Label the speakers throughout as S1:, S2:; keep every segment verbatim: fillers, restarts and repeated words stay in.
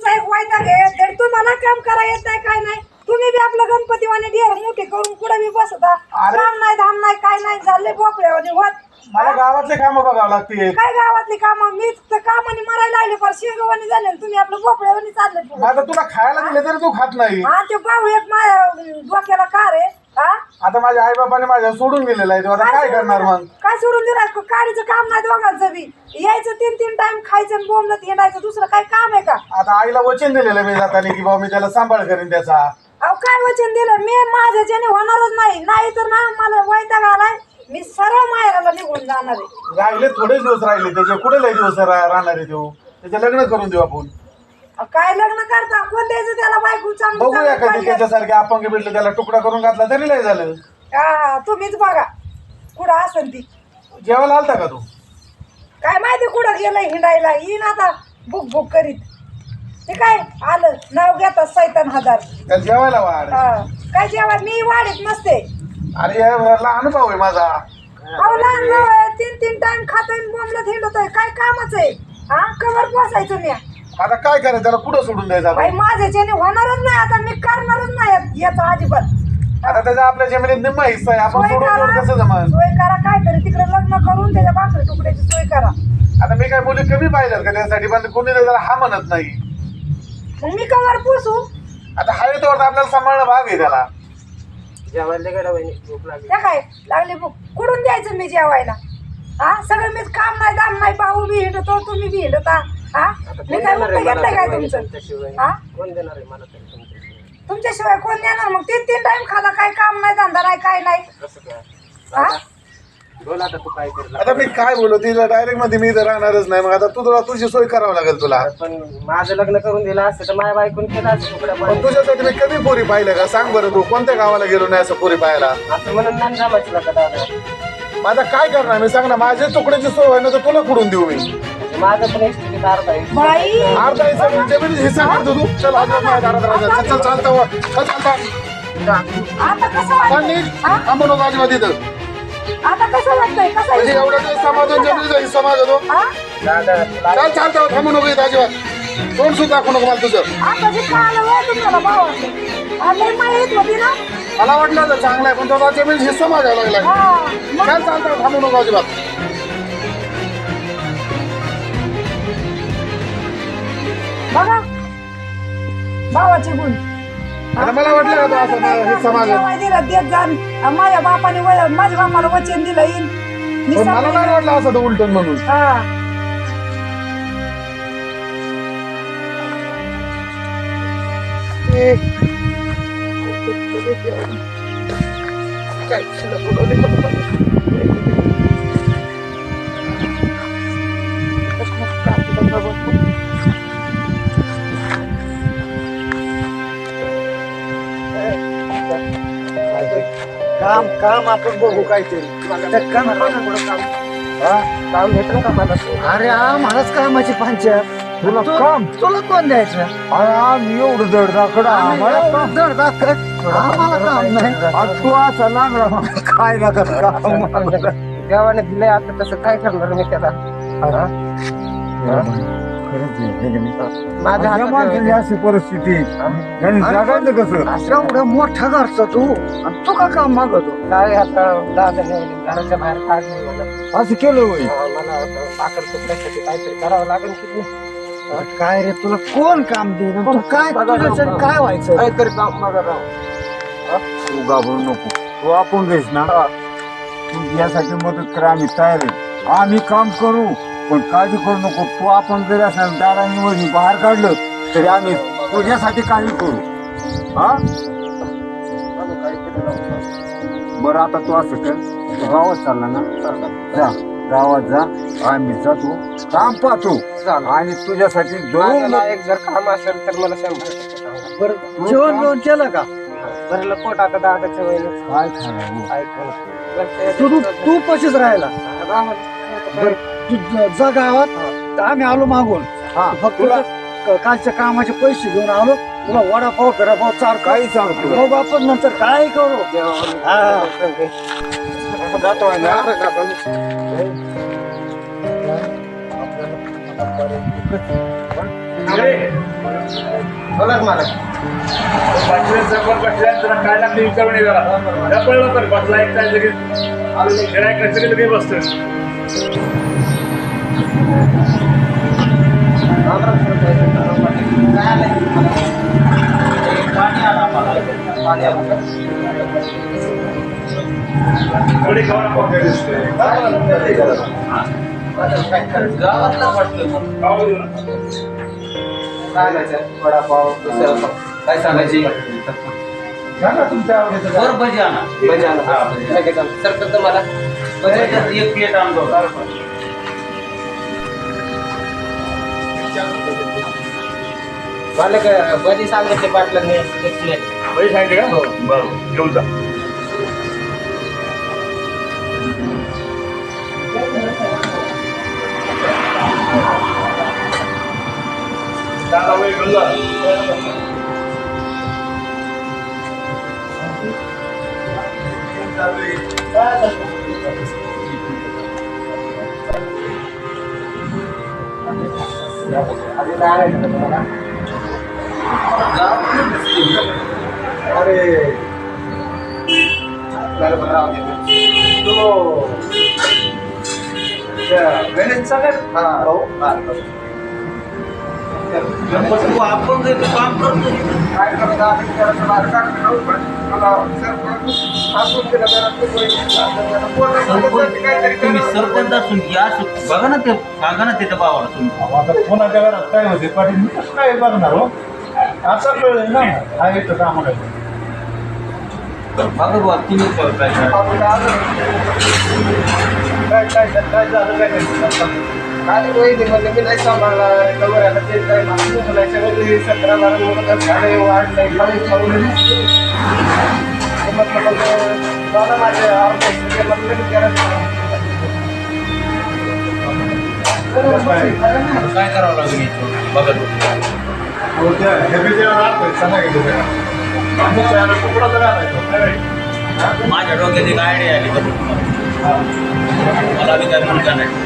S1: तुमचा एक वायदा घे तर तुम्हाला काम करा येत नाही काय नाही तुम्ही बी आपलं गणपतीवाने ढेर मोठे करून कुठे बी बसता काम नाही धाम नाही काय नाही झाले बोकड्यावाने होत
S2: मला गावातले काम बघावं लागते
S1: काय गावातली कामं मी तर कामाने मरायला लागले पर शेगवानी झाले तुम्ही आपलं बोकड्यावानी चालले
S2: आता तुला खायला दिले तरी तू खात नाही
S1: हा ते पाहू एक माझ्या डोक्याला कार आहे हा
S2: आता माझ्या आई बाबाने माझ्या सोडून गेलेला आहे आता काय करणार मग
S1: काय सोडून दिलं काडीचं काम नाही दोघांचं बी यायचं तीन तीन टाइम खायचं आणि बोंबलत हिंडायचं दुसरं काय काम आहे का
S2: आता आईला वचन दिलेलं मी जाताना की बाबा मी त्याला सांभाळ करीन त्याचा
S1: अहो काय वचन दिलं मी माझ्याच्याने होणारच नाही नाही तर ना मला वैताग आलाय मी सरळ माहेराला निघून जाणार आहे
S2: राहिले थोडेच दिवस राहिले त्याचे कुठे लय दिवस रा- राहणार आहे तो त्याचे लग्न करून देऊ आपण
S1: अहो, काय लग्न करता कोण द्यायचं त्याला बायको चांगली
S2: बघूया
S1: चांगली
S2: कधी
S1: पाहिजे.
S2: त्याच्यासारखे अपंग भेटले त्याला तुकडा करून घातला तरी लय झालं
S1: हा तुम्हीच बघा कुठं असन ती
S2: जेवायला आलता का तू
S1: काय माहिती कुठं गेलंय हिंडायला येईन आता बुक बुक करीत ते काय आलं नाव घेतात सैतान हजार
S2: त्याला जेवायला वाढ
S1: हा. काय जेव्हा मी वाढीत नसते
S2: अरे याला अनुभव आहे माझा
S1: अहो लहान भाऊ आहे, तीन तीन टाइम खातोय बोंबलत हिंडतोय काय कामच आहे हा कवर बसायचो मी
S2: आता काय करायचं त्याला कुठं सोडून द्यायचं
S1: बाई
S2: आपण?
S1: माझ्याच्याने होणारच नाही आता मी करणारच नाही याचा अजिबात
S2: आता त्याचा आपल्या जमिनीत निम्मा हिस्सा आहे आपण
S1: सोय
S2: सोडून
S1: करा
S2: देऊन कसं जमान
S1: सोय करा काहीतरी तिकडे लग्न करून त्याच्या भाकरी तुकड्याची सोय करा
S2: आता मी काय मुली कमी पाहिल्यात का त्यासाठी पण कोणी त्याला हा म्हणत नाही
S1: मग मी कवर पुसू
S2: आता हा येतो आपल्याला सांभाळणं भाग आहे त्याला
S3: जेवायला गेला वहिनी भूक लागली
S1: त्या काय लागली भूक कुठून द्यायचं मी जेवायला हा सगळं मीच काम नाही दाम नाही भाऊ बी हिंडतो तुम्ही बी हिंडता हा मी काय
S3: देणार
S1: उत्तर
S3: आहे
S1: घेतलंय काय
S3: मला
S1: तुमचं
S3: तुमच्याशिवाय
S1: हा
S3: कोण देणार आहे मला तरी तुमच्याशिवाय
S1: तुमच्याशिवाय कोण देणार मग तीन तीन टाइम खाता काय काम नाही धंदा नाही काय नाही
S3: कसं काय
S1: हा
S3: बोल आता तू काय करला
S2: आता मी काय बोलू तिला डायरेक्ट मध्ये मी इथं राहणारच नाही मग आता तू तुला तुझी सोय करावं लागेल तुला
S3: पण माझं लग्न करून दिलं असतं तर माझ्या बायकोन केलं असतं तुकडा
S2: पण तुझ्यासाठी मी कमी पोरी पाहिलं का सांग बरं तू कोणत्या गावाला गेलो नाही असं पोरी पाहायला
S3: असं म्हणून नाही जमायचं का दादा
S2: मग आता काय करणार मी सांग ना माझ्या तुकड्याची सोय होय ना तर तुला कुठून देऊ मी
S3: माझं पण इस्टेट अर्धा आहे
S1: बाई
S2: अर्धा हिस्सा जमीन हिस्सा करतो तू चल आज माझ्या दारात राहायचं. चल चल चालतं वर. चल चालतं
S1: आता कसं
S2: पण
S1: वाटतंय
S2: नीट
S1: हा?
S2: थांबू नको अजिबात इथं
S1: आता कसं वाटतंय कसं
S2: म्हणजे एवढा दिवस समाजात जमिनीचा हिस्सा मागतो
S1: हा
S3: दादा
S2: चाल चालतं थांबू नको इथं अजिबात तोंड सुद्धा दाखवू नको मला तुझं
S1: आता जे कळालं वय तुम्हाला भावाचं आता माहित होती ना
S2: मला वाटलं तर चांगलं आहे पण तो आता जमीन हिस्सा मागायला लागलाय
S1: हा मग
S2: चाल चालतं थांबू नको अजिबात
S1: बघा भावाचे गुण
S2: आता मला वाटलं का तो असं मा- हिस्सा मागेल
S1: जेवाय दिलं देत जाण आणि माझ्या बापाने वय- माझ्या बापाला वचन दिलं येईन मी
S2: पण मला
S1: सांगेन.
S2: नाही वाटलं असं तो उलटून म्हणून
S1: हा
S2: काम काम आपण बघू काहीतरी
S3: काम भेटलं का मला
S4: अरे आम्हालाच कामाची पंचायत
S2: तुला काम
S4: तुला कोण द्यायचं
S2: अरे आम्ही एवढं जड दाखड आम्हाला काम
S4: जड दाखल आम्हाला काम नाही
S2: आज तू असा लागला काय नका काम
S3: देवाने दिलंय आता तसं काय करणार मी त्याला माझ्या हातात
S2: अशी परिस्थिती त्यांनी जगायचं कसं
S4: एवढा मोठा घरचा तू आणि तू का काम मागतो
S3: काय आता दादा घराच्या बाहेर काढले मला
S2: असं केलं होय
S3: मला पाकड तुकड्यासाठी काहीतरी करावं लागेल की
S4: काय रे तुला कोण काम देईन तू काय तुझ्यासाठी काय व्हायचं
S3: काहीतरी काम मागा राव
S2: तू घाबरू नको तू आपण घेस ना तू यासाठी मदत करा आम्ही तयार आहे आम्ही काम करू पण काळजी करू नको तू आपण जरी असेल दाराने वरी बाहेर काढलं तरी आम्ही तुझ्यासाठी काळजी करू हा बरं आता तू असं कर तू गावात चालला ना जा गावात जा आम्ही जातो काम पाहतो आणि तुझ्यासाठी जरूर
S3: माझ्याला एक जर काम असेल तर मला शंभर टक्के सांगा.
S4: बरं जेवण बिवण केलं का
S3: भरलं पोट आता दादाच्या वहिनी
S2: काय खाणार
S3: ऐकून
S4: तू तू तू पशीच राहिला बरं तू ज- जा गावात तर आम्ही आलो मागून
S2: हा
S4: फक्त
S2: तुला
S4: क- कालच्या कामाचे पैसे घेऊन आलो तुला वडापाव फिरापाव चार
S2: काही सांगतो
S4: मग आपण नंतर काय करू हा.
S2: जातो आहे ना
S3: बोला ना मला
S5: पाचव्या सरपंच बसल्या तुला काय लागते विचारून ये जरा त्या पडलं तर बसला एक काय लगेच गिरायक सगळे लगेच बसतं
S3: पाणी आला मला पाणी आलं
S5: थोडी खाऊ नको
S3: गावातला वाटलं
S5: खाऊ देऊ ना
S3: काय नाही वडापाव दुसरं काय सांगायची
S4: सांगा तुमच्या आवडीचं काय.
S3: बरं भजी आणा भजी आणा हा भजी सरपंच मला भजी एक प्लेट आणतो मला काय भजी सांगितले पाटलांनी एक प्लेट
S5: पैसे सांगितले का बरं घेऊन जा दादा वय घेऊन जा
S3: आधी काय
S4: अरे तो गणेशचा काय भाऊ
S3: आपण जे काम करतो
S4: काय करत आहे करायचं माझं काम पण मला सरपंच केलं
S3: तुम्ही सरपंच असून या बघा ना ते सांगा ना त्याच्या भावाला तुम्ही
S4: आता कोणाच्या घरात काय होते पाटील मी कसं काय बघणार हो आता कळलं ना हा येतं कामाला
S3: बघा बुवा तुम्ही काय
S4: काय काय काय झालं काय नाही
S3: काय वहिनी म्हणलं मी नाही सांभाळला कवर आता ते काय सगळं सतरा बारा लोक झाडे वाढले म्हटलं माझे काय करावं लागेल बघा माझ्या डोक्यात एक आयडिया आली मला बी काय म्हणता नाही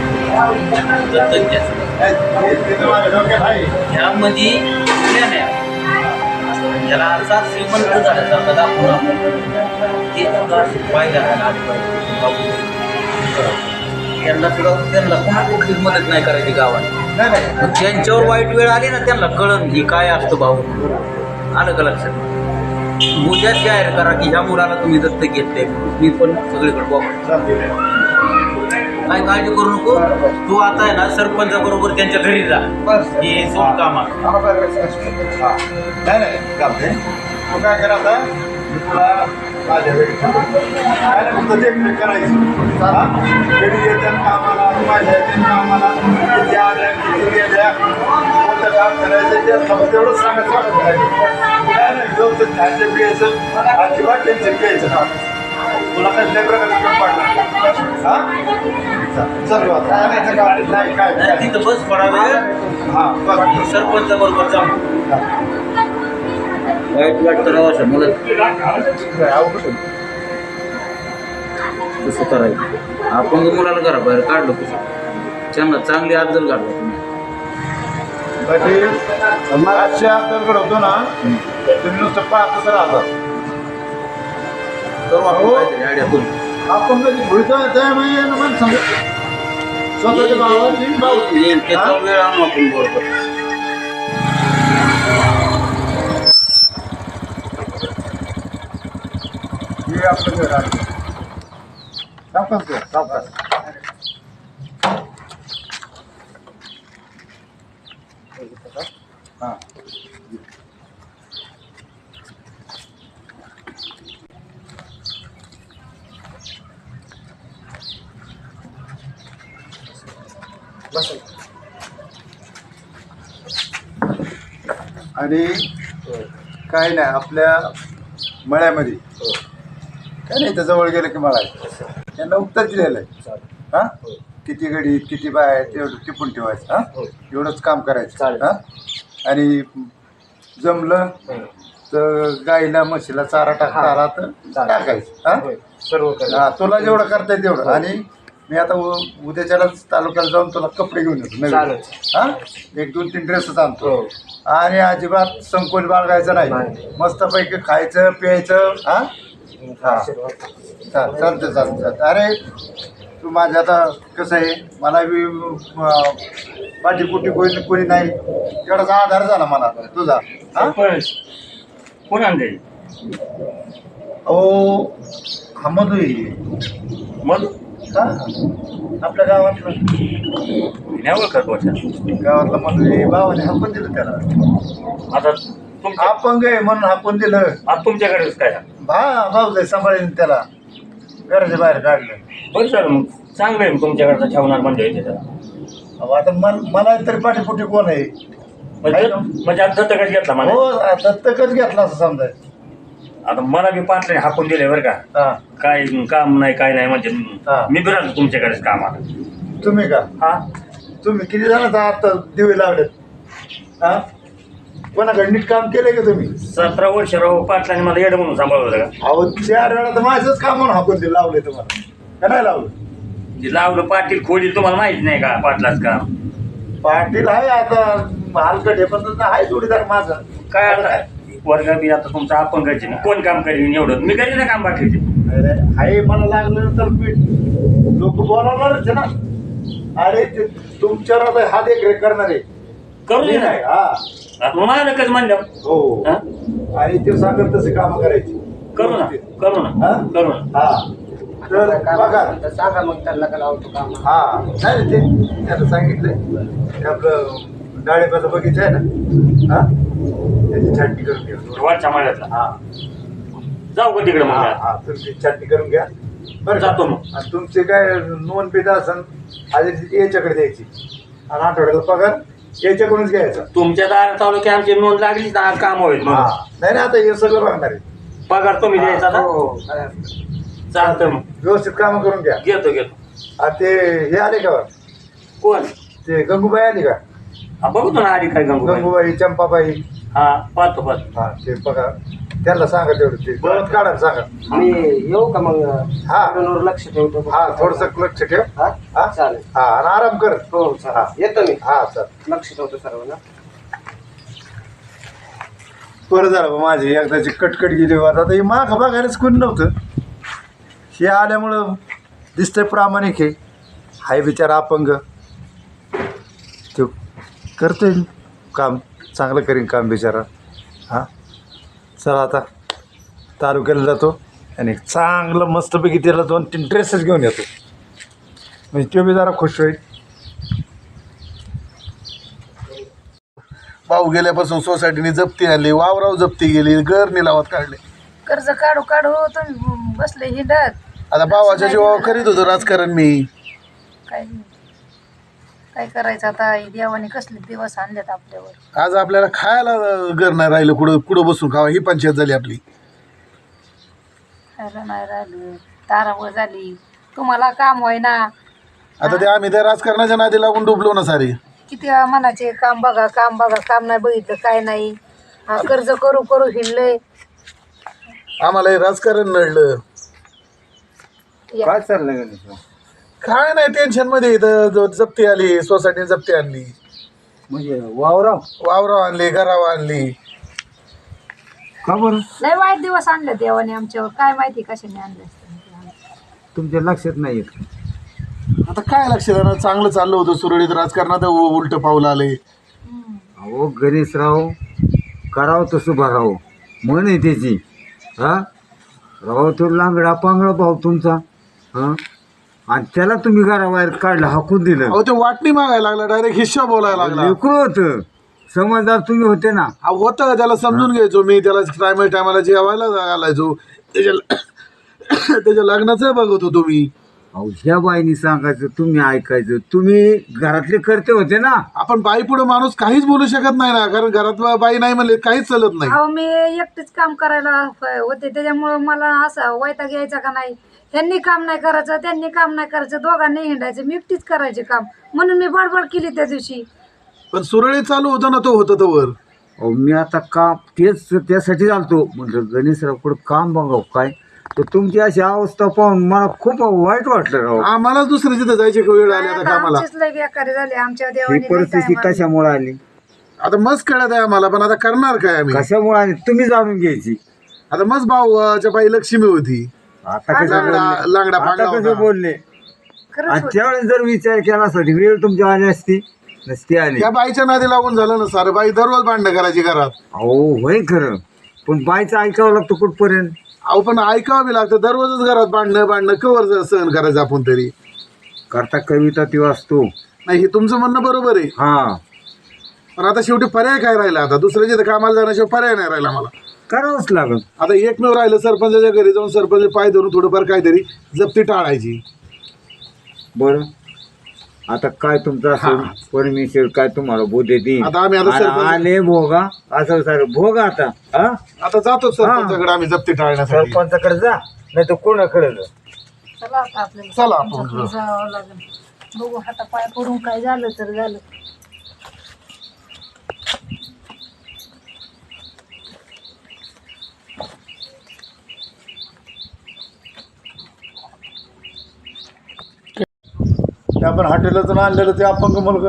S3: ह्यामध्ये प्लॅन आहे त्याला असा श्रीमंत झाल्यासारखा दाखवून ते पाहिजे यांना सुद्धा त्यांना कोणा कुठलीच मदत नाही करायची गावात मग त्यांच्यावर वाईट वेळ आली ना त्यांना कळण ही काय असतं भाऊ आलं का लक्षात उद्याच जाहीर करा की ह्या मुलाला तुम्ही दत्तक घेतले मी पण सगळीकडे बघतो काय काळजी करू नको तू आता आहे ना सरपंचा बरोबर त्यांच्या घरी जा हे सोड कामा
S4: नाही नाही चालते तू काय करायचा मी तुला माझ्या वेळी काय नाही फक्त देखरेख करायची घरी येतात कामाला माझ्या येतात कामाला किती आल्या किती गेल्या कोणतं काम करायचं ते तेवढंच सांगायचं वाटत करायचं काय नाही व्यवस्थित खायचं प्यायचं अजिबात टेन्शन घ्यायचं तुला कसल्या प्रकारचं पडणार हा चल आता नाही काय काय
S3: तिथं बस पडा वेळ
S4: हां बस
S3: सरपंच बरोबर जा वाईट वाटतं राहा मला कसं करायचं आपण मुलाला करा बाहेर काढलं कसं त्यांना चांगली अद्दल काढलं
S4: तुम्ही आजचे अद्दल घडवतो ना तुम्ही नुसतं पाहतच राहतात
S3: करू आपण काहीतरी आयडिया करू
S4: आपण कधी भुलतो मन सांगू स्वतःच्या भावाची
S3: येईल त्याचा वेळ आणू आपण बरोबर
S4: हे आपलं घर आहे सावकाश घर सावकाश हां आणि काय नाही आपल्या मळ्यामध्ये काय नाही त्या जवळ गेलं की मळा आहे त्यांना उत्तर दिलेलं आहे हां किती गडी किती बाय आहेत एवढं टिपून ठेवायचं हां एवढंच काम करायचं हां आणि जमलं तर गाईला म्हशीला चारा टाकता आला तर टाकायचं हां
S3: सर्व
S4: हां तुला जेवढं करता येईल तेवढं आणि मी आता उ- उद्याच्यालाच तालुक्याला जाऊन तुला कपडे घेऊन येतो नवीन. हा एक दोन तीन ड्रेसच आणतो आणि अजिबात संकोच बाळगायचं नाही मस्तपैकी खायचं प्यायचं हा हा चाल चालतं चालतं चालतं अरे तू माझ्या आता कसं आहे मला बी पाठीपुटी कोणी कोणी नाही तेवढाच आधार झाला मला तुझा हा
S5: कोण आणते
S4: अहो हा मधू आहे.
S5: मग
S4: हा आपल्या गावातलं
S5: नाही ओळखत वर्षा
S4: गावातला मधू आहे भावाने हापून दिलं त्याला
S5: आता तुमच्या
S4: अपंग आहे म्हणून हापून दिलं
S5: आता तुमच्याकडेच काय
S4: भा भाऊ जाय सांभाळेल त्याला घराच्या बाहेर काढलं
S5: बरं सर मग चांगलं आहे मग तुमच्याकडचं ठेवणार म्हणजे येते त्याला
S4: अहो, आता मन मला तरी पाठीपुटी कोण आहे
S5: म्हणजे म्हणजे आता दत्तकच घेतला मला
S4: हो दत्तकच घेतला असं समजाय
S5: आता मला बी पाटले हाकून दिले बरं का
S4: हा
S5: काय काम नाही काय नाही म्हणजे
S4: हा.
S5: मी बी राहतो तुमच्याकडेच कामाला
S4: तुम्ही का
S5: हा
S4: तुम्ही किती जण आता दिवे लावलेत हा कोणाकडे नीट काम केलंय का तुम्ही
S5: सतरा वर्ष राहू पाटलाने मला येडं म्हणून सांभाळलं होतं का
S4: अहो चार वेळा तर माझंच काम म्हणून हाकून दिलं लावलंय तुम्हाला का नाही लावलं
S5: जे लावलं पाटील खोली तुम्हाला माहित नाही का पाटलाच काम
S4: पाटील आहे आता हलकट हे पण आहे जोडीदार माझा
S5: काय आता वर्ग बी आता तुमचं आपण करायचे ना कोण काम करीन एवढं मी करीन ना काम बाकीचे
S4: अरे आहे मला लागलं तर पीठ लोक बोलावणारच आहे ना अरे ते तुमच्यावर आता हा देखरेख करणार आहे
S5: करू दे ना
S4: नाही, हा
S5: आता मग मला नकच म्हणलं
S4: हो
S5: हा?
S4: आणि ते सांगत तसे काम करायची
S5: करू ना करू ना
S4: हा?
S5: करू ना
S4: हा तर बघा
S6: सांगा मग त्यांना का लावतो काम
S4: हा नाही रे, ते त्याला सांगितलंय ते आपलं डाळिंबाचा बगीचा आहे ना हा त्याची छाटणी करून घ्या
S5: वरच्या माळ्यातला
S4: हा
S5: जाऊ का तिकडे
S4: हा
S5: मग
S4: हा तुमची छाटणी करून घ्या बरं का?
S5: जातो मग.
S4: आणि तुमचे काय नोंद पेट असन आधी याच्याकडे द्यायची आणि आठवड्याला पगार याच्याकडूनच घ्यायचा
S5: तुमच्या दार तालुकी आमची नोंद लागली ना आज काम होईल
S4: हा
S5: मग
S4: नाही नाही आता हे सगळं बघणार आहे
S5: पगार तुम्ही द्यायचा ना
S6: हो
S5: चालतं मग
S4: व्यवस्थित काम करून घ्या
S5: घेतो घेतो
S4: आणि ते हे आले का बरं?
S5: कोण
S4: ते गंगूबाई आली का
S5: हा बघतो ना आधी काय गंगू
S4: गंगूबाई चंपाबाई
S5: हा पाहतो पाहतो
S4: हा ते बघा त्यांना सांगा तेवढं ते गवत काढा सांगा
S6: मी येऊ का मग
S4: हा.
S6: वर लक्ष ठेवतो
S4: हा थोडस लक्ष ठेव
S6: हा
S4: हा
S6: चालेल
S4: हा आणि आराम कर
S6: हो
S4: हा.
S6: चालेल येतो मी
S4: हा सर
S6: लक्ष ठेवतो सर्वांना
S4: बरं झालं बा माझी एकदाची कटकट गेली होत आता हे माग बघायलाच कोणी नव्हतं हे आल्यामुळं दिसतंय प्रामाणिक आहे हाय बिचारा अपंग तो करतोय काम चांगलं करीन काम बिचारा हां चला आता तालुक्याला जातो आणि चांगलं मस्तपैकी त्याला दोन तीन ड्रेसेस घेऊन येतो म्हणजे तो बी जरा खुश होईल
S7: भाऊ गेल्यापासून सोसायटीने जप्ती आणली वावराव जप्ती गेली घर निलावात काढले
S1: कर्ज काढू काढू तुम्ही बसले हिंडत
S7: आता भावाच्या जीवावर करीत होतो राजकारण मी
S1: काय काय करायचं आता देवाने कसले दिवस आणलेत आपल्यावर
S7: आज आपल्याला खायला घर नाही राहिलं कुठं कुठं बसून खावा ही पंचायत झाली आपली
S1: खायला नाही राहिलं तारावळ झाली तुम्हाला काम होईना
S7: आता ते आम्ही त्या राजकारणाच्या नादी लागून डुबलो ना सारे
S1: किती मनाचे काम बघा काम बघा काम नाही बघितलं काय नाही हा, कर्ज करू करू हिंडलंय
S7: आम्हाला हे राजकारण नडलं
S1: या.
S2: काय चाललंय गणेश
S7: काय नाही टेन्शन मध्ये इथं जो जप्ती आली सोसायटीने जप्ती आणली
S2: म्हणजे वावराव
S7: वावराव आणली घरावर आणली
S2: का बरं
S1: लय वाईट दिवस आणले देवाने आमच्यावर काय माहिती कशाने आणले असते
S2: तुमच्या लक्षात नाही येत
S7: आता काय लक्ष देणार चांगलं चाललं होतं सुरळीत राजकारणात उलट पाऊल आले
S2: अहो गणेशराव करावं तसं भरावं म्हण आहे त्याची हा राव तो लांगडा पांगडा भाऊ तुमचा हा आणि त्याला तुम्ही घराबाहेर काढलं हाकून दिलं
S7: अहो ते वाटणी मागायला लागला डायरेक्ट हिस्सा बोलायला लागला
S2: लेकरू होतं समजदार तुम्ही होते ना
S7: अहो, होतं त्याला समजून घ्यायचो मी त्याला टायमा टायमाला जेवायला घालायचो त्याच्या त्याच्या लग्नाचं बघत होतो मी
S2: अहो ह्या बाईनी सांगायचं तुम्ही ऐकायचं तुम्ही घरातले करते होते ना
S7: आपण बाई पुढे माणूस काहीच बोलू शकत नाही ना कारण घरात बाई नाही म्हणले काहीच चालत नाही
S1: अहो मी एकटीच काम करायला होते त्याच्यामुळे मला असं वैताग यायचा का नाही त्यांनी काम नाही करायचं त्यांनी काम नाही करायचं दोघांनी हिंडायचं मी एकटीच करायचे काम म्हणून मी बडबड केली त्या दिवशी
S7: पण सुरळीत चालू होतं ना तो होतं तोवर
S2: अहो मी आता काम तेच त्यासाठी चालतो म्हटलं गणेशराव कुठं काम बघाव काय तर तुमची अशी अवस्था पाहून मला खूप वाईट वाटलं राव.
S7: आम्हाला दुसऱ्या तिथे जायची वेळ आली आता कामाला.
S1: आमचीच लय बेकारी झाली आमच्या
S2: ही
S1: देवाने लय
S2: परिस्थिती
S1: time आली.
S2: कशामुळे आली,
S7: आता मस्त कळत आहे आम्हाला, पण आता करणार काय आम्ही.
S2: कशामुळे आली तुम्ही जाणून घ्यायची.
S7: आता मस्त भाऊच्या पायी लक्ष्मी होती,
S2: आता कसं
S7: लांगडा
S2: बोलले?
S7: लांगडा
S2: आता
S7: पांगडा
S2: कसं
S7: होता.
S2: बोलले.
S1: खरंच
S2: आणि
S1: होतं.
S2: त्यावेळेस जर विचार केला असता वेळ तुमच्या आली असती नसती आली.
S7: त्या बाईच्या नादी लागून झालं ना सारं. बाई दररोज भांडणं करायची घरात.
S2: हो होय खरं, पण बायचं ऐकावं लागतं कुठपर्यंत.
S7: अहो पण ऐकावं बी लागतं. दररोजच घरात भांडणं भांडणं कवर सहन करायचं आपण तरी.
S2: करता कविता ती वाचतो.
S7: नाही हे तुमचं म्हणणं बरोबर आहे,
S2: हा
S7: पण आता शेवटी पर्याय काय राहिला. आता दुसऱ्याच्या इथं कामाला जाण्याशिवाय पर्याय नाही राहिला मला.
S2: करावंच लागल.
S7: आता एकमेव राहिलं सरपंचाच्या घरी जाऊन सरपंच पाय धरून थोडंफार काहीतरी जप्ती टाळायची.
S2: बरं आता काय तुमचं असं परमेश्वर काय तुम्हाला बोध देईल.
S7: आता आम्ही आता
S2: आणि
S7: सरपंच-
S2: आले भोगा असं सर भोगा आता हा
S7: आता जातो सरपंचाकडे आम्ही जप्ती टाळण्यासाठी.
S2: सरपंचाकडे जा नाही तर कोणाकडे जा.
S1: चला आता आपल्याला
S7: चला आपण
S1: सरपंचाकडे जावं लागेल. बघू हाता पाय पडून काय झालं तर झालं.
S4: ते आपण हॉटेलातून आणलेलं ते अपंग मुलगा,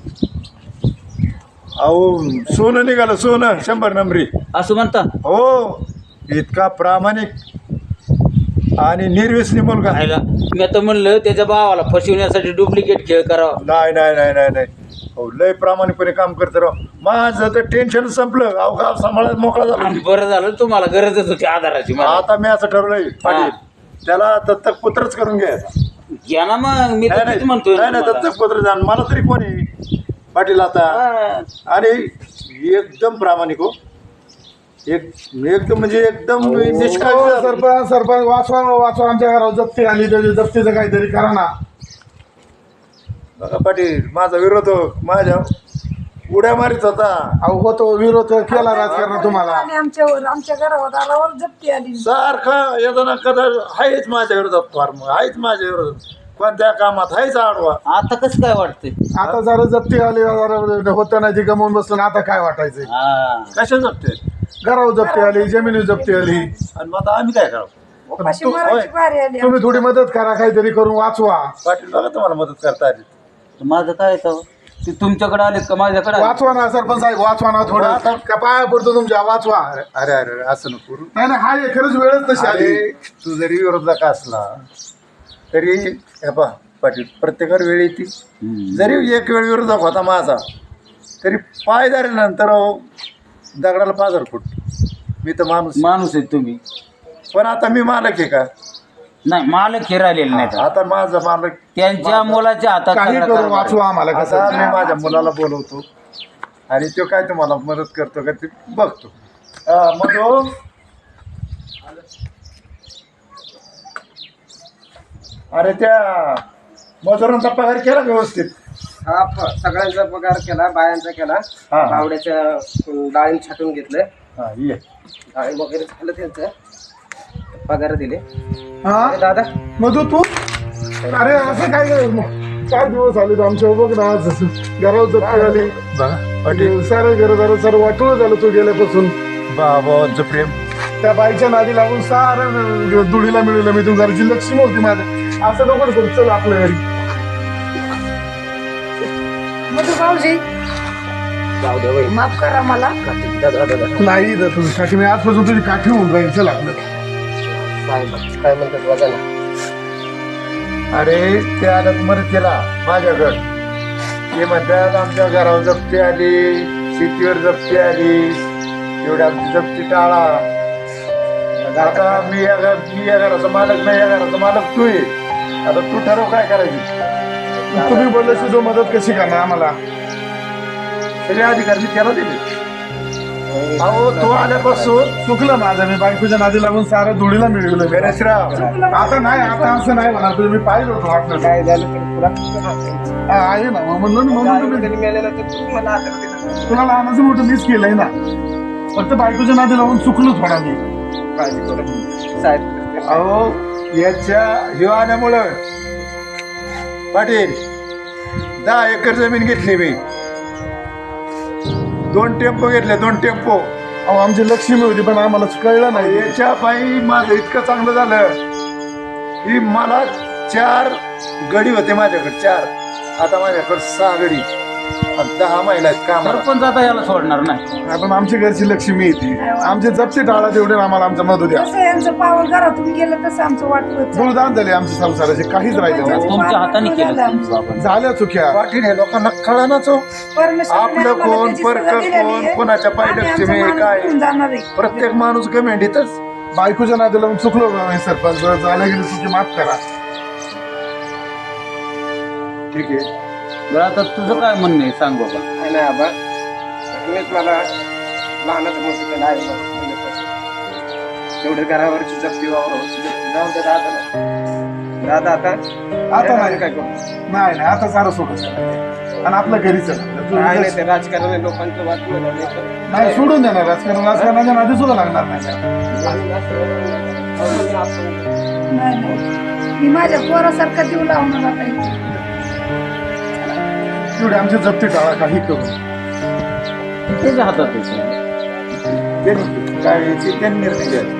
S4: अहो सोनं निघालं, सोनं शंभर नंबरी.
S3: असं म्हणता
S4: हो, इतका प्रामाणिक आणि निर्व्यसनी मुलगा.
S3: राहिला मी आता म्हणलं त्याच्या भावाला फसवण्यासाठी डुप्लिकेट खेळ करावा.
S4: नाही नाही नाही नाही नाही हो, लय प्रामाणिकपणे काम करतो राव. माझं तर टेन्शन संपलं, अहो गाव सांभाळायला मोकळा झाला.
S3: आणि बरं झालं तुम्हाला गरजच होती आधाराची. मला
S4: आता मी असं ठरवलंय पाटील, त्याला दत्तक पुत्रच करून घ्यायचा.
S3: घ्या ना मग, मी तर
S4: नाही
S3: तेच म्हणतोय
S4: नाही नाही,
S3: तुम्हाला.
S4: दत्तक पुत्र जाण मला तरी कोणी पाटील आता.
S3: हा.
S4: आणि एकदम प्रामाणिक हो, एक एकदम म्हणजे एकदम निष्काळजी
S7: हो,
S4: झाला.
S7: सरपंच सरपंच वाचवा वाचवा. आमच्या घरावर जप्ती आली, त्याची जप्तीचं काहीतरी करा ना.
S4: बघा पाटील, माझा विरोध हो, माझ्या उड्या मारीत होता.
S7: अहो होतो विरोध केला राजकारण तुम्हाला.
S1: आणि आमच्यावर आमच्या घरावर दारावर जप्ती आली.
S4: सारखा येताना कदा आहेच माझ्या विरोधात, फार्म आहेच माझ्या विरोधात, कोणत्या कामात आहेच आडवा.
S3: आता कसं काय वाटतंय?
S7: आता जरा जप्ती आली, जरा होतं नाही ती गमावून बसलं ना, आता काय वाटायचं.
S3: हा.
S4: कशा जपते
S7: घरावर जप्ती आली, जमिनी जप्ती आली.
S4: आणि मग आता आम्ही काय करावं.
S1: उपाशी
S4: तू-
S1: मरायची
S4: होय.
S1: बारी आली.
S7: तुम्ही थोडी मदत करा, काहीतरी करून वाचवा.
S4: पाटील बघा तुम्हाला मदत करता आली.
S3: माझं काय तर ते तुमच्याकडे आले का माझ्याकडे आले?
S7: वाचवा ना सरपंच साहेब, वाचवा ना थोडं. का पाया पडतो तुमच्या, वाचवा.
S4: अरे अरे अरे असं नको करू.
S7: नाही नाही, हाय खरंच वेळच तशी आली.
S4: अरे तू जरी विरोधक असला तरी हे पहा पाटील, प्रत्येकावर वेळ येते.
S3: हम्म.
S4: जरी एक वेळ विरोधक होता माझा, तरी पाय धरल्यानंतर अहो, दगडाला पाजर फुट. मी तर माणूस,
S3: माणूस आहे तुम्ही.
S4: पण आता मी मालक आहे का?
S3: नाही मालक हे राहिलेले नाही
S4: आता माझा मालक.
S3: त्यांच्या मुलाच्या हातात
S7: काही
S3: सगळा
S7: करून
S3: कारभार आहे.
S7: वाचवा आम्हाला
S4: आता
S7: कसं.
S4: मी माझ्या मुलाला बोलवतो आणि तो काय तुम्हाला मदत करतो का ते बघतो. हा, मग तो अरे त्या मजुरांचा पगार केला व्यवस्थित.
S6: हा प- सगळ्यांचा पगार केला, बायांचा केला,
S4: हा.
S6: भावड्याच्या अं, डाळिंब छाटून घेतलं,
S4: हा ये.
S6: डाळिंब वगैरे झालं त्यांचं, पगार दिले.
S7: हा
S6: अरे दादा
S7: मधू तू, अरे असं काय करायचं मग? चार दिवस आले तर आमच्या बघ ना, आज घरावर जप्ती आली.
S4: पाटील
S7: सारं घरदार सर्व वाटोळ झालं तू गेल्यापासून.
S4: बाबांचं प्रेम.
S7: त्या बाईच्या नादी लागून सारं दुडीला मिळवलं मी. तुम घरची लक्ष्मी होती माझ्या. असं नको करू, चल आपल्या घरी.
S1: मधू भाऊजी
S6: जाऊ दे वय.
S1: माफ करा मला.
S6: दादा दादा
S7: नाही तर तुझ्यासाठी मी आजपासून तुझी काठी होऊन राहील. चल आपलं.
S6: साहेब काय म्हणतात बघा ना.
S4: अरे ते आल्यात मदतीला माझ्याकडं. ते म्हणतात आमच्या घरावर जप्ती आली, शेतीवर जप्ती आली, एवढी आमची जप्ती टाळा. आता मी या घर मी या घराचा मालक नाही, या घराचा मालक तू आहे. आता तू ठरव काय करायची.
S7: तुम्ही बोलल्याशी जो मदत कशी करणार आम्हाला.
S4: सगळे अधिकार मी त्याला दिले. अहो तो आल्यापासून
S7: चुकलं माझं. मी बायकोच्या नादी लागून सारं धुळीला मिळवलं.
S4: गणेशराव
S7: आता नाही, आता असं नाही म्हणा. तुम्ही मी पाहिलं होतं वाटलं.
S6: काय झालं तर तुला
S7: हा, आहे ना मग म्हणून म्हणून तुम्ही
S6: तरी मिळालेलं तर तू मला आदर दिला.
S7: तुला लहानाचं मोठं मीच केलंय ना. फक्त बायकोच्या नादी लावून चुकलो थोडा मी.
S6: काळजी करू साहेब.
S4: अहो याच्या हिवाण्यामुळं पाटील दहा एकर जमीन घेतली मी. दोन टेम्पो घेतले, दोन टेम्पो
S7: अहो आमची लक्ष्मी होती पण आम्हाला कळलं नाही.
S4: याच्या पायी माझं इतकं चांगलं झालं की मला चार गडी होते माझ्याकडे, चार. आता माझ्याकडे सहा गडी आणि दहा महिला आहेत कामाला.
S3: सरपंच आता याला सोडणार नाही.
S7: आपण आमची घरची लक्ष्मी येते, आमची जपती टाळा तेवढे आम्हाला आमचा मधू द्या.
S1: जसं यांचं पाऊल घरातून गेलं तसं आमचं वाटलं
S7: गुळदान झाले आमच्या संसाराचे, काहीच राहिले नाही.
S3: तुमच्या हाताने केलं तुमचं आपण.
S7: झाल्या चुक्या.
S4: पाटील हे लोकांना कळानाच हो. आपलं कोण परक कोण कोणाच्या पाय लक्ष्मी काय, प्रत्येक माणूस गमेंडीतच.
S7: बायकोच्या नादी लावून चुकलो बा, सरपंच झाल्या गेली चुकी माफ करा.
S4: ठीक आहे.
S3: बरं आता तुझं काय म्हणणं आहे सांग बाबा.
S6: काय नाही आबा, तुम्हीच मला लहानाचं मोठं केलं आहे बा, मुलं तेवढं घरावरची जप्ती वावरावरची जप्ती जाऊन त्या दादाला दादा आता
S7: आता नाही
S6: काय करू.
S7: नाही नाही आता सारं सोडून आणि आपल्या घरीच
S6: काय नाही ते राजकारण लोकांचं वाटलं
S7: नाही सोडून देणार राजकारण. राजकारणाच्या नादी सुद्धा लागणार नाही.
S1: नाही नाही मी माझ्या पोरासारखं जीव लावणार आता.
S7: एवढे आमची जप्ती टाळा काही करू.
S3: त्याच्या हातात आहे.
S4: त्यांनी काय याची त्यांनी निर्णय घ्यायचा.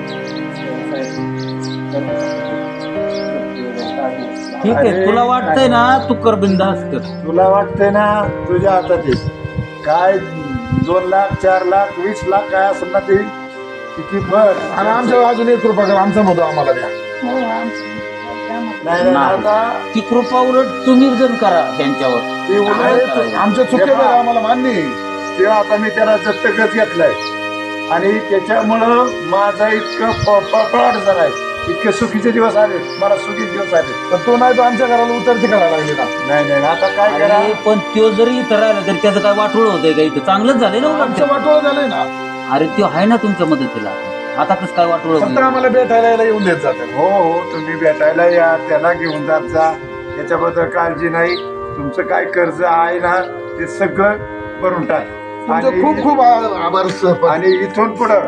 S3: ठीक आहे, तुला वाटतंय ना तू कर बिनधास्त कर.
S4: तुला वाटतंय ना तुझ्या हातात आहे. काय दोन लाख चार लाख वीस लाख काय असेल ना ते किती भर.
S7: आणि आमच्या अजून एक कृपा करा, आमचा मधू आम्हाला द्या.
S1: हो आमचं
S4: नाही नाही,
S3: नाही.
S4: आता
S3: ती कृपा उलट तुम्ही जण करा त्यांच्यावर.
S4: ते उलट
S7: आमच्या चुक्या झाल्या, आम्हाला मान्य आहे.
S4: ते आता मी त्याला दत्तकच घेतलाय आणि त्याच्यामुळं माझा इतकं पळाट झालाय, इतके सुखीचे दिवस आले, मला सुखीचे दिवस आले.
S7: पण तो नाही तो आमच्या घराला उतरती करायला लागली ना.
S4: नाही नाही आता काय करा.
S3: अरे, पण तो जरी इथं राहिला तरी त्याचं काय वाटोळ होतंय का इथं? चांगलंच झालं ना उलट.
S7: आमचं वाटोळ झालंय ना.
S3: अरे तो आहे ना तुमच्या मदतीला. आता कसं काय वाटोळ
S7: फक्त आम्हाला भेटायला यायला येऊन देत जाते.
S4: हो हो तुम्ही भेटायला या, त्याला घेऊन जात जा, त्याच्याबद्दल काळजी नाही. तुमचं काय कर्ज आहे ना ते सगळं भरून टाक.
S7: तुमचे
S4: आणि-
S7: खूप खूप आ- आभार सरपंच.
S4: आणि इथून पुढं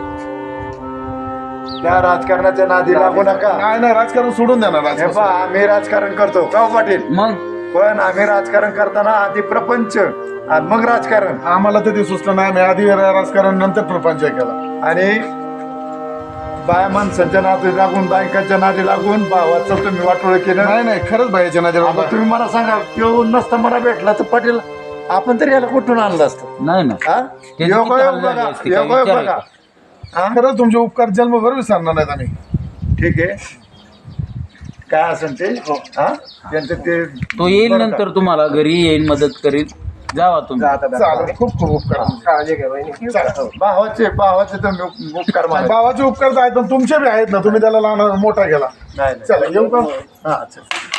S4: त्या राजकारणाच्या नादी लागू नका.
S7: नाही नाही राजकारण सोडून द्या ना.
S4: हे
S7: राजकारण
S4: पहा, आम्ही राजकारण करतो का हो पाटील?
S3: मग
S4: पण आम्ही राजकारण करताना आधी प्रपंच आणि मग राजकारण.
S7: आम्हाला तर ते सुचलं नाही. आम्ही आधी राजकारण नंतर प्रपंच केला.
S4: आणि बाया माणसांच्या नादी लागून बायकांच्या नादी लागून भावाचं तुम्ही वाटोळ केलं.
S7: नाही नाही खरंच भाईच्या
S4: आता
S7: नजर.
S4: तुम्ही मला सांगा, तो नसता मला भेटला तर पाटील आपण तरी याला कुठून आणलं असतं?
S3: नाही ना
S4: हा?
S3: त्याची
S4: योगायोग
S3: किती हाल झाली
S4: बघा,
S3: असती, काय
S4: योगायोग
S3: विचार
S4: बघा.
S3: आहे
S4: हा?
S7: खरंच तुमचे उपकार जन्मभर विसरणार नाहीत आम्ही.
S4: ठीक आहे, काय असेल ते. हा त्यांचं ते
S3: तो येईल नंतर तुम्हाला घरी येईल, मदत करील. जावा तुम्ही.
S7: चालेल, खूप खूप उपकार.
S6: काळजी घ्या बहिणी.
S7: चालेल.
S4: भावाचे भावाचे तुम्ही उपकार माना.
S7: भावाचे उपकार तर आहेत पण तुमचे बी आहेत ना. तुम्ही त्याला लहान मोठा केला.
S4: नाही नाही.
S7: चला येऊ का?
S4: हा चल.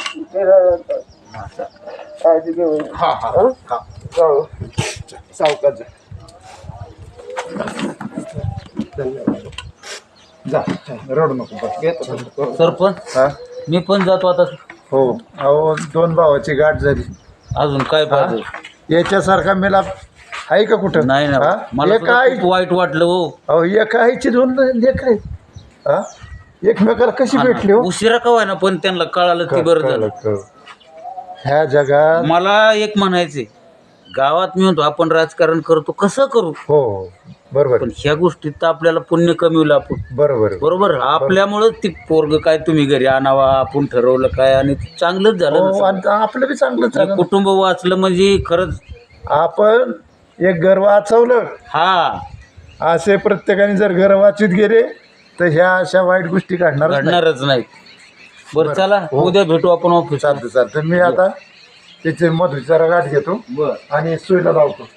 S6: काळजी घ्या बहिणी.
S7: हा हा हा.
S6: सावकाश जा.
S7: जा रडू नको.
S3: सरपंच
S4: हा?
S3: मी पण जातो आता.
S4: हो अहो दोन भावाची गाठ झाली.
S3: अजून काय पाहिजे?
S4: याच्यासारखा मेला आहे का कुठं?
S3: नाही ना,
S4: हा?
S3: मला
S4: एका
S3: सुद्धा
S4: आई
S3: खूप वाईट वाटलं हो.
S4: अहो एका आईची दोन लेकर आहेत. हा? एकमेकाला कशी भेटली हो?
S3: उशिरा का ना पण त्यांना कळालं ती बरं झालं.
S4: ह्या जगात
S3: मला एक म्हणायचंय, गावात मी म्हणतो आपण राजकारण करतो, कसं करू,
S4: हो बरोबर
S3: पण ह्या गोष्टीत तर आपल्याला पुण्य कमी आपण.
S4: बरोबर आहे.
S3: बरोबर, आपल्यामुळं ती पोरग काय तुम्ही घरी आणावा, आपण ठरवलं काय, आणि चांगलंच झालं
S4: हो,
S3: ना.
S4: आणि आपलं बी चांगलं
S3: एक
S4: झालं.
S3: कुटुंब वाचलं म्हणजे खरंच.
S4: आपण एक घर वाचवलं.
S3: हा,
S4: असे प्रत्येकाने जर घर वाचित गेले तर ह्या अशा वाईट गोष्टी घडणार
S3: घडणारच नाही. बरं चला, उद्या भेटू आपण ऑफिस.
S4: चालतं चालतं. मी आता त्याचे मधुचारा गाठ घेतो
S3: बरं.
S4: आणि सुईला लावतो.